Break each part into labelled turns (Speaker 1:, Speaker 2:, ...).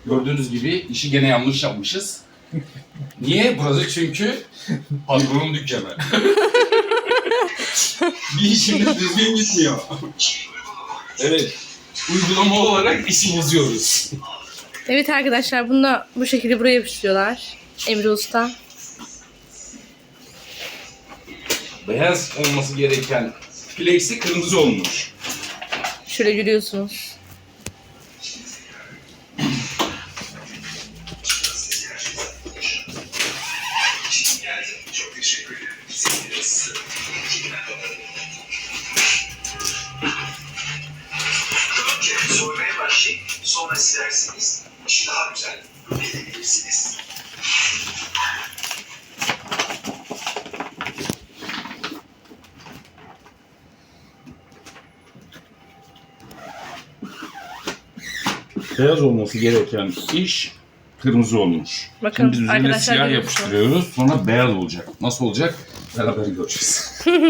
Speaker 1: Gördüğünüz gibi işi gene yanlış yapmışız. Niye? Burası çünkü patronun dükkanı. Bir işimiz düzgün gitmiyor. Evet. Uygulama olarak işi bozuyoruz.
Speaker 2: Evet arkadaşlar bunu da bu şekilde buraya yapıştırıyorlar. Emre Usta.
Speaker 1: Beyaz olması gereken plexi kırmızı olmuş.
Speaker 2: Şöyle görüyorsunuz.
Speaker 3: Soymaya başlayıp sonra silersiniz. İşi daha güzel edebilirsiniz.
Speaker 1: Beyaz olması gereken iş kırmızı olmuş.
Speaker 2: Bakın,
Speaker 1: Şimdi biz üzerine
Speaker 2: arkadaşlar
Speaker 1: siyah
Speaker 2: görüyorsunuz.
Speaker 1: yapıştırıyoruz. Sonra beyaz olacak. Nasıl olacak? Beraber göreceğiz.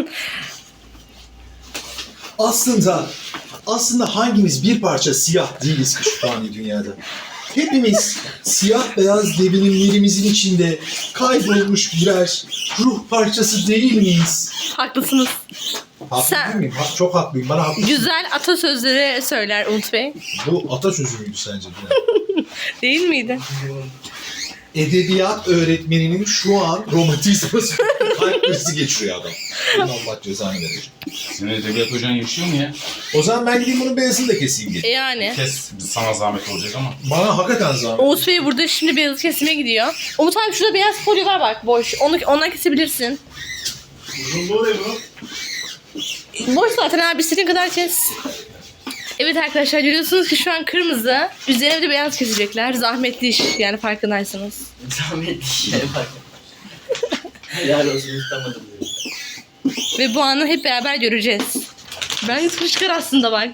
Speaker 4: Aslında hangimiz bir parça siyah değiliz ki şu fani dünyada? Hepimiz siyah beyaz devinimlerimizin içinde kaybolmuş birer ruh parçası değil miyiz?
Speaker 2: Haklısınız.
Speaker 4: Haklı
Speaker 2: Sen-
Speaker 4: değil miyim? Çok haklıyım. Bana haklı.
Speaker 2: Güzel atasözleri söyler Umut Bey.
Speaker 4: Bu atasözü müydü sence?
Speaker 2: Değil miydi?
Speaker 4: Edebiyat öğretmeninin şu an romantizması kalp krizi geçiriyor adam. Bunun Allah cezanı verecek.
Speaker 1: Senin edebiyat hocan yaşıyor mu ya?
Speaker 4: O zaman ben gideyim bunun beyazını da keseyim gelin.
Speaker 2: Yani.
Speaker 1: Kes, sana zahmet olacak ama.
Speaker 4: Bana hakikaten zahmet.
Speaker 2: Umut Bey burada şimdi beyazı kesime gidiyor. Umut abi şurada beyaz folyo var bak boş. Ondan kesebilirsin.
Speaker 4: Uzunluğu ne bu?
Speaker 2: Boş zaten abi istediğin kadar kes. Evet arkadaşlar görüyorsunuz ki şu an kırmızı. Üzerine bir de beyaz kesecekler. Zahmetli iş yani farkındaysanız.
Speaker 5: Zahmetli şey bak. Helal olsun istamadım diyor.
Speaker 2: Ve bu anı hep beraber göreceğiz. Ben fışkır aslında bak.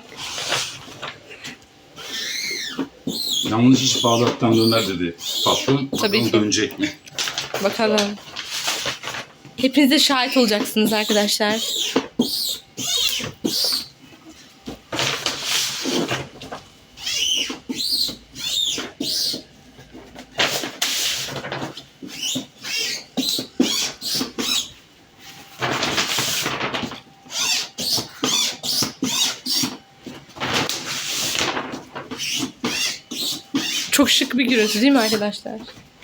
Speaker 1: Yanlış iş Bağdat'tan döner dedi patron.
Speaker 2: Tabii
Speaker 1: Bakalım
Speaker 2: ki.
Speaker 1: dönecek mi?
Speaker 2: Bakalım. Hepiniz de şahit olacaksınız arkadaşlar. Çok şık bir gürültü değil mi arkadaşlar?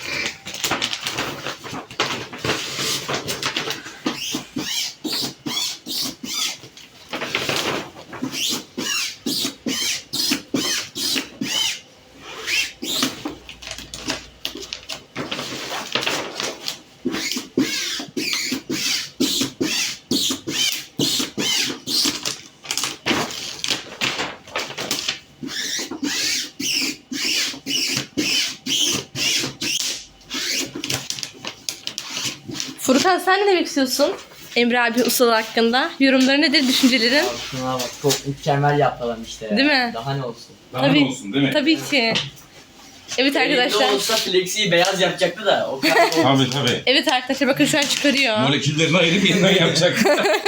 Speaker 2: Furkan sen ne demek istiyorsun? Emre abi ustalığı hakkında. Yorumları nedir, düşüncelerin?
Speaker 5: Abi şuna bak çok mükemmel yaptılar işte ya.
Speaker 2: Değil mi?
Speaker 5: Daha ne olsun.
Speaker 1: Daha
Speaker 2: Tabii.
Speaker 1: ne olsun değil mi?
Speaker 2: Tabii ki. Evet arkadaşlar.
Speaker 5: Elinde olsa flexiyi beyaz yapacaktı da o kadar olmadı.
Speaker 1: Tabii.
Speaker 2: Evet arkadaşlar bakın şu an çıkarıyor.
Speaker 1: Moleküllerini ayırıp yeniden yapacak.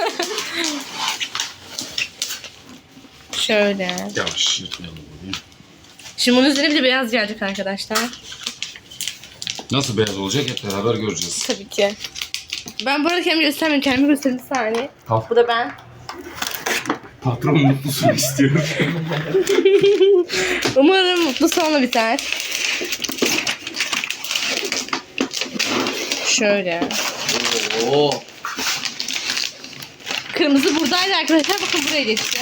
Speaker 2: Şöyle.
Speaker 1: Yavaş yırtmayalım burayı.
Speaker 2: Şimdi bunun üzerine bir de beyaz gelecek arkadaşlar.
Speaker 1: Nasıl beyaz olacak hep beraber göreceğiz.
Speaker 2: Tabii ki. Ben bu arada kendimi göstermiyorum. Kendimi göstereyim bir saniye.
Speaker 1: Tamam.
Speaker 2: Bu da ben.
Speaker 1: Patron mutlusun istiyorum.
Speaker 2: Umarım mutlu sonla biter. Şöyle.
Speaker 5: Oo.
Speaker 2: Kırmızı buradaydı arkadaşlar. Bakın buraya geçti.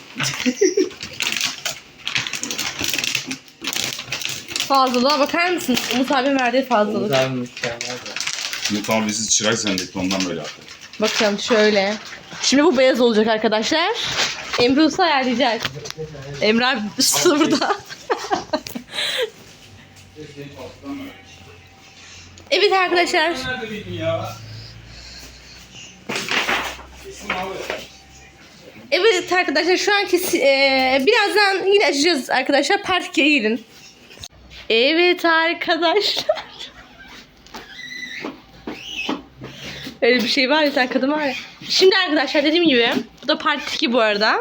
Speaker 2: Fazlalığa bakar mısınız? Umut abim verdiği fazlalık.
Speaker 5: Güzel mükemmel de.
Speaker 1: Şimdi tamam bizi çırak zannetti ondan böyle yaptı.
Speaker 2: Bakın şöyle. Şimdi bu beyaz olacak arkadaşlar. Emre Usta ayarlayacak. Emre abi usta burada. Evet arkadaşlar.
Speaker 1: Nerede benim ya? Kesin abi.
Speaker 2: Evet arkadaşlar şu anki birazdan yine açacağız arkadaşlar. Part 2'ye gelin. Evet arkadaşlar. Öyle bir şey var ya sen kadın var ya. Şimdi arkadaşlar dediğim gibi bu da part 2 bu arada.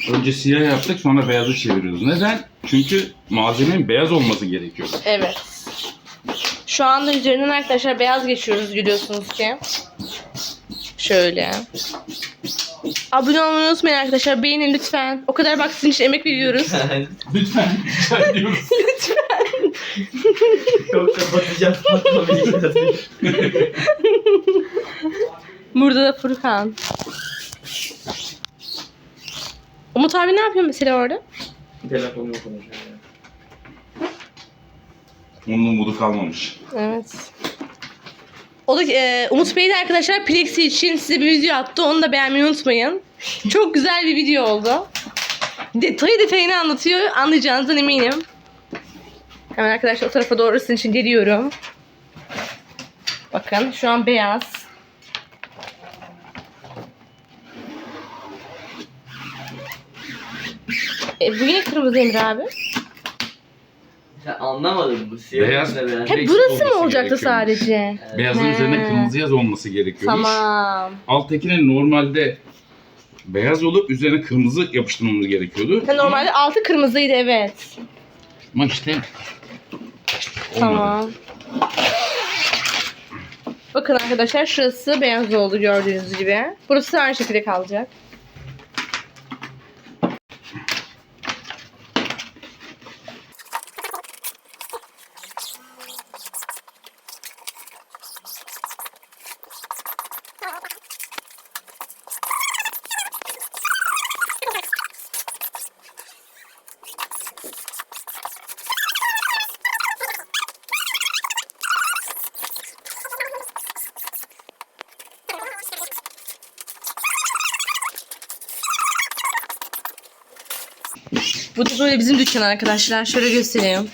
Speaker 1: Önce siyah yaptık sonra beyazı çeviriyoruz. Neden? Çünkü malzemenin beyaz olması gerekiyor.
Speaker 2: Evet. Şu anda üzerinden arkadaşlar beyaz geçiyoruz görüyorsunuz ki. Şöyle. Abone olmayı unutmayın arkadaşlar. Beğenin lütfen. O kadar bak sizin için emek veriyoruz.
Speaker 1: Lütfen rica ediyoruz.
Speaker 5: Çok kapatacağım. Fatma Bey'i.
Speaker 2: Burada da Furkan. Umut abi ne yapıyor mesela orada?
Speaker 5: Telefonla konuşuyor ya.
Speaker 1: Onun umudu kalmamış.
Speaker 2: Evet. O da Umut Bey de arkadaşlar Plexi için size bir video attı. Onu da beğenmeyi unutmayın. Çok güzel bir video oldu. Detayını anlatıyor. Anlayacağınızdan eminim. Hemen arkadaşlar o tarafa doğru sizin için geliyorum. Bakın şu an beyaz. Bu yine kırmızı Emre abi.
Speaker 5: Sen anlamadın mı? Siyah
Speaker 1: Beyaz.
Speaker 5: da beyaz.
Speaker 2: Hep
Speaker 1: Plexi
Speaker 2: burası mı
Speaker 1: olması
Speaker 2: olacaktı
Speaker 1: gerekiyormuş.
Speaker 2: sadece?
Speaker 1: Beyazın
Speaker 2: He.
Speaker 1: üzerine kırmızı yaz olması gerekiyormuş.
Speaker 2: Tamam.
Speaker 1: Alttakinin normalde beyaz olup üzerine kırmızı yapıştırmamız gerekiyordu.
Speaker 2: Ha, normalde altı kırmızıydı evet.
Speaker 1: Ama işte olmadı.
Speaker 2: Tamam. Bakın arkadaşlar şurası beyaz oldu gördüğünüz gibi. Burası aynı şekilde kalacak. Bu da böyle bizim dükkan arkadaşlar. Şöyle göstereyim.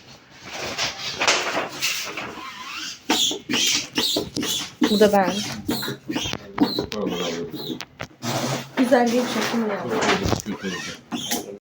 Speaker 2: Bu da ben. Güzel bir çekim ya.
Speaker 1: Kötü olacak.